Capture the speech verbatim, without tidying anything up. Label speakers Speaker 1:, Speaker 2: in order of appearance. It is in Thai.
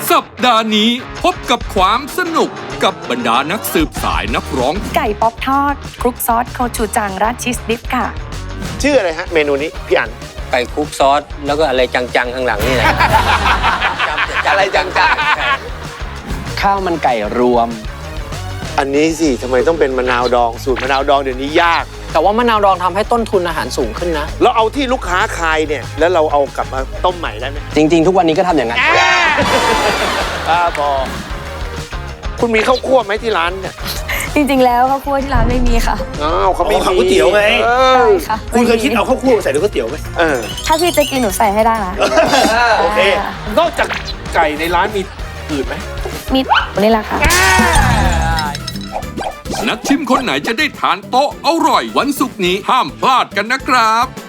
Speaker 1: สัปดาห์นี้พบกับความสนุกกับบรรดานักสืบสายนักร้อง
Speaker 2: ไก่ป๊อปทอดคลุกซอสโคชูจังราดชีสดิฟค่ะ
Speaker 3: ชื่ออะไรฮะเมนูนี้พี่อั๋น
Speaker 4: ไก่คลุกซอสแล้วก็อะไรจังๆข้างหลังนี่แหละ
Speaker 3: อะไรจัง
Speaker 5: ข้าวมันไก่รวม
Speaker 3: ๆอันนี้สิทำไมต้องเป็นมะนาวดองสูตรมะนาวดองเดี๋ยวนี้ยาก
Speaker 5: แต่ว่ามะนาวดองทำให้ต้นทุนอาหารสูงขึ้นนะ
Speaker 3: เราเอาที่ลูกค้าคายเนี่ยแล้วเราเอากลับมาต้มใหม่ได้ไหม
Speaker 5: จริง ๆ ทุกวันนี้ก็ทำอย่างนั้น
Speaker 3: บ้าบอคุณมีข้าวคั่วไหมที่ร้านเนี่ย
Speaker 2: จริงๆแล้วข้าวคั่วที่ร้านไม่มีค่ะ
Speaker 3: อ้าวเขาไม่
Speaker 6: อ๋อข้าวก๋วยเตี๋ยวไง
Speaker 3: เอ
Speaker 2: ใช่
Speaker 3: อ
Speaker 2: ค่ะ
Speaker 6: คุณเคยคิดเอาข้าวคั่วมาใส่ในก๋วยเตี๋ยวไหม
Speaker 3: เออ
Speaker 2: ถ้าพี่จะกินหนูใส่ให้ได้นะ
Speaker 6: โอเค
Speaker 3: นอกจากไก่ในร้านมีอื่นไหม
Speaker 2: มีนี่แหละค่ะ
Speaker 1: นักชิมคนไหนจะได้ทานโต๊ะอร่อยวันศุกร์นี้ห้ามพลาดกันนะครับ